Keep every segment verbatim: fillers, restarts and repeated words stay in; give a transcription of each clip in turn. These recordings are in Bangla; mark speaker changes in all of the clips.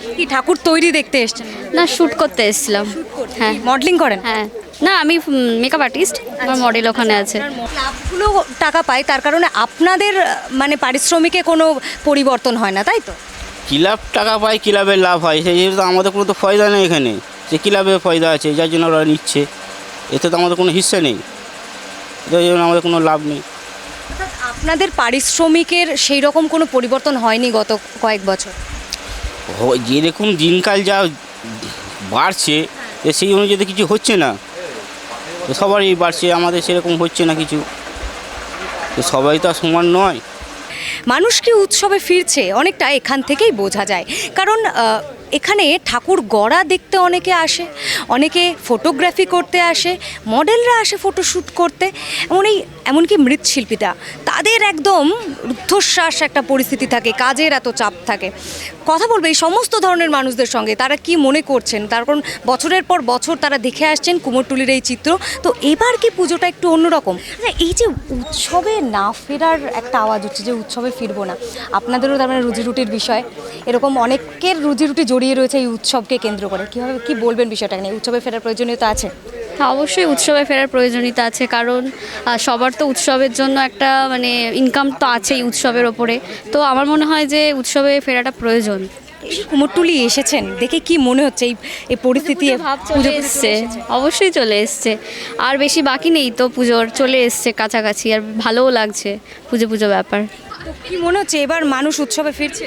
Speaker 1: কি ঠাকুর তৈরি দেখতে এসেছেন?
Speaker 2: না, শ্যুট করতে এসেছিলাম। হ্যাঁ,
Speaker 1: মডেলিং করেন?
Speaker 2: হ্যাঁ। না, আমি মেকআপ আর্টিস্ট, আমার মডেল ওখানে আছে।
Speaker 1: ক্লাবগুলো টাকা পায়, তার কারণে আপনাদের আহ, মানে পারিশ্রমিকে কোনো পরিবর্তন হয় না, তাই তো?
Speaker 3: ক্লাব টাকা পায়, ক্লাবের লাভ হয়, সেই জন্য তো আমাদের কোনো তো ফয়দা নেই এখানে, যে ক্লাবের ফয়দা আছে যার জন্য ওরা নিচ্ছে, এতে তো আমাদের কোনো হিস্সা নেই, যার জন্য আমাদের কোনো লাভ নেই।
Speaker 1: অর্থাৎ আপনাদের পারিশ্রমিকের সেই রকম কোনো পরিবর্তন হয়নি গত কয়েক বছর?
Speaker 3: হ- যেরকম দিনকাল যা বাড়ছে তো সেই অনুযায়ী তো কিছু হচ্ছে না, তো সবারই বাড়ছে, আমাদের সেরকম হচ্ছে না কিছু, তো সবাই তো আর সমান নয়।
Speaker 1: মানুষ কি উৎসবে ফিরছে অনেকটা এখান থেকেই বোঝা যায়, কারণ আহ, এখানে ঠাকুর গড়া দেখতে অনেকে আসে, অনেকে ফটোগ্রাফি করতে আসে, মডেলরা আসে ফটোশ্যুট করতে, এমন এই এমনকি মৃৎশিল্পীরা, তাদের একদম রুদ্ধশ্বাস একটা পরিস্থিতি থাকে, কাজের এত চাপ থাকে। কথা বলবে এই সমস্ত ধরনের মানুষদের সঙ্গে, তারা কি মনে করছেন, তার কারণ বছরের পর বছর তারা দেখে আসছেন কুমোরটুলির এই চিত্র। তো এবার কি পুজোটা একটু অন্যরকম? আচ্ছা, এই যে উৎসবে না ফেরার একটা আওয়াজ হচ্ছে যে উৎসবে ফিরবো না, আপনাদেরও তার মানে রুজি রুটির বিষয়, এরকম অনেকের রুজি রুটি জড়িয়ে রয়েছে এই উৎসবকে কেন্দ্র করে, কীভাবে কি বলবেন বিষয়টা নিয়ে? উৎসবে ফেরার প্রয়োজনীয়তা আছে?
Speaker 2: হ্যাঁ, অবশ্যই উৎসবে ফেরার প্রয়োজনীয়তা আছে, কারণ আহ, সবার তো উৎসবের জন্য একটা মানে ইনকাম তো আছেই উৎসবের ওপরে। তো আমার মনে হয় যে উৎসবে ফেরাটা প্রয়োজন।
Speaker 1: এই যে কুমোরটুলি এসেছেন, দেখে কি মনে হচ্ছে এই এই পরিস্থিতি?
Speaker 2: ভাব চলে এসছে, অবশ্যই চলে এসছে, আর বেশি বাকি নেই তো পুজোর, চলে এসছে কাছাকাছি, আর ভালোও লাগছে পুজো পুজো ব্যাপার।
Speaker 1: তো কি মনে হচ্ছে এবার মানুষ উৎসবে ফিরছে?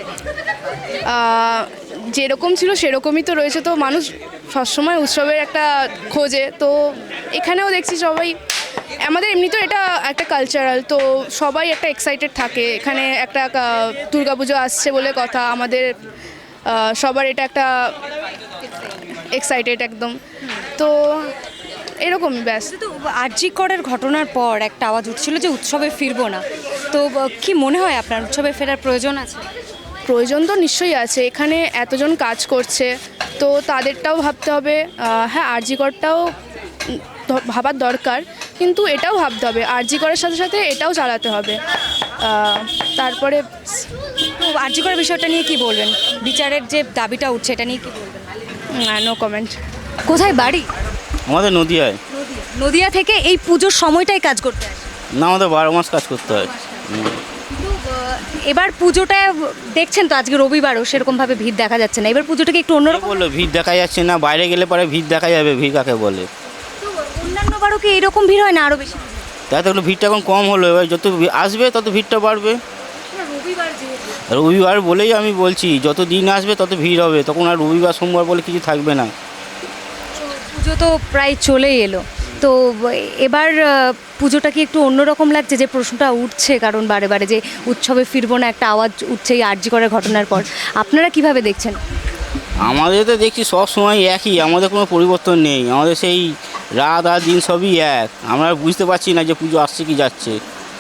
Speaker 4: আহ, যেরকম ছিল সেরকমই তো রয়েছে, তো মানুষ সবসময় উৎসবের একটা খোঁজে, তো এখানেও দেখছি সবাই, আমাদের এমনিতেও এটা একটা কালচারাল, তো সবাই একটা এক্সাইটেড থাকে, এখানে একটা দুর্গাপুজো আসছে বলে কথা, আমাদের আহ, সবার এটা একটা এক্সাইটেড একদম, তো এরকমই ব্যাস।
Speaker 1: তো আরজি করের ঘটনার পর একটা আওয়াজ উঠছিল যে উৎসবে ফিরবো না, তো আহ, কি মনে হয় আপনার উৎসবে ফেরার প্রয়োজন আছে?
Speaker 4: প্রয়োজন তো নিশ্চয়ই আছে, এখানে এতজন কাজ করছে, তো তাদেরটাও ভাবতে হবে। আহ, হ্যাঁ, আরজি করটাও ভাবার দরকার, কিন্তু এটাও ভাবতে হবে, আরজি করার সাথে সাথে এটাও চালাতে হবে। আহ, তারপরে
Speaker 1: তো আরজি করের বিষয়টা নিয়ে কি বলবেন? বিচারের যে দাবিটা উঠছে এটা নিয়ে কি বলবেন?
Speaker 4: No comment.
Speaker 1: কোথায় বাড়ি?
Speaker 3: আমাদের নদীয়ায়।
Speaker 1: নদিয়া থেকে এই পুজোর সময়টাই কাজ করতে আসে?
Speaker 3: না, আমাদের বারো মাস কাজ করতে হয়। হুম।
Speaker 1: তো আহ, এবার পুজোটা দেখছেন তো, আজকে রবিবারও সেরকমভাবে ভিড় দেখা যাচ্ছে না, এবার পুজোটাকে একটু
Speaker 3: কে
Speaker 1: অন্যরকম।
Speaker 3: বললো ভিড় দেখা যাচ্ছে না? বাইরে গেলে পরে ভিড় দেখা যাবে, ভিড় কাকে বলে?
Speaker 1: তো অন্যান্য বারও কি এরকম ভিড় হয় না আরও বেশি?
Speaker 3: তাই তো একটু ভিড়টা এখন কম হলো, এবার যত ভি- আসবে তত ভিড়টা বাড়বে।
Speaker 1: রবিবার যেহেতু।
Speaker 3: রবিবার বলেই আমি বলছি, যত দিন আসবে তত ভিড় হবে, তখন আর রবিবার সোমবার বলে কিছু থাকবে না।
Speaker 1: পুজো তো প্রায় চলেই এলো, তো এবার আহ, পুজোটা কি একটু অন্যরকম লাগছে? যে প্রশ্নটা উঠছে কারণ বারে বারে যে উৎসবে ফিরবো না একটা আওয়াজ উঠছে এই আরজি করার ঘটনার পর, আপনারা কিভাবে দেখছেন?
Speaker 3: আমাদের তো দেখছি সব সময় একই, আমাদের কোনো পরিবর্তন নেই, আমাদের সেই রাত আর দিন সবই এক, আমরা বুঝতে পারছি না যে পুজো আসছে কি যাচ্ছে।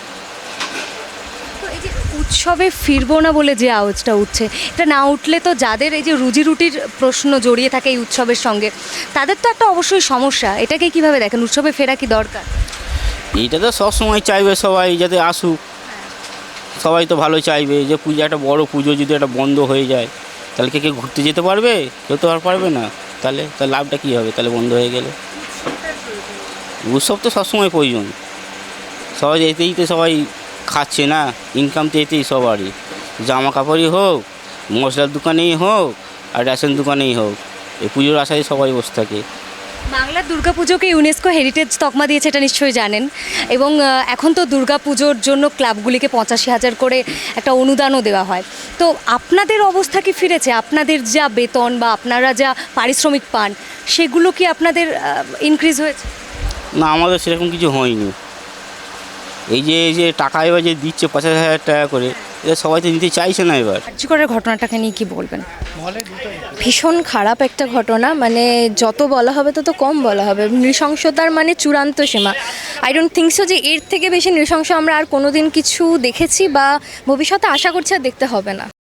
Speaker 1: তো এই যে উৎসবে ফিরবো না বলে যে আওয়াজটা উঠছে, এটা না উঠলে তো যাদের এই যে রুজি রুটির প্রশ্ন জড়িয়ে থাকে এই উৎসবের সঙ্গে, তাদের তো একটা অবশ্যই সমস্যা। এটাকে কিভাবে দেখেন? উৎসবে ফেরা কি দরকার?
Speaker 3: এইটা তো সব সময় চাইবে সবাই যাতে আসুক, সবাই তো ভালো চাইবে, যে পুজো একটা বড় পুজো যদি একটা বন্ধ হয়ে যায় তাহলে কে কেউ ঘুরতে যেতে পারবে? কেউ তো আর পারবে না, তাহলে তার লাভটা কী হবে তাহলে বন্ধ হয়ে গেলে? উৎসব তো সবসময় প্রয়োজন, সবাই এতেই তো সবাই খাচ্ছে না, ইনকাম তো এতেই সবারই, জামা কাপড়ই হোক, মশলার দোকানেই হোক, আর রেশন দোকানেই হোক, এই পুজোর আশায় সবাই বসে থাকে।
Speaker 1: বাংলার দুর্গাপুজোকে ইউনেস্কো হেরিটেজ তকমা দিয়েছে, এটা নিশ্চয়ই জানেন, এবং আহ, এখন তো দুর্গাপুজোর জন্য ক্লাবগুলিকে পঁচাশি হাজার করে একটা অনুদানও দেওয়া হয়। তো আপনাদের অবস্থা কি ফিরেছে? আপনাদের যা বেতন বা আপনারা যা পারিশ্রমিক পান সেগুলো কি আপনাদের ইনক্রিজ হয়েছে?
Speaker 3: না, আমাদের সেরকম কিছু হয়নি। এই যে এই যে টাকা এবার যে দিচ্ছে পঞ্চাশ হাজার টাকা করে, এটা সবাই তো নিতে চাইছে না এবার।
Speaker 1: আরজি করার ঘটনাটাকে নিয়ে কি বলবেন?
Speaker 5: ভীষণ খারাপ একটা ঘটনা, মানে যত বলা হবে তত কম বলা হবে। নৃশংসতার মানে চূড়ান্ত সীমা। আই ডোন্ট থিঙ্ক সো যে এর থেকে বেশি নৃশংস আমরা আর কোনোদিন কিছু দেখেছি বা ভবিষ্যতে আশা করছি আর দেখতে হবে না।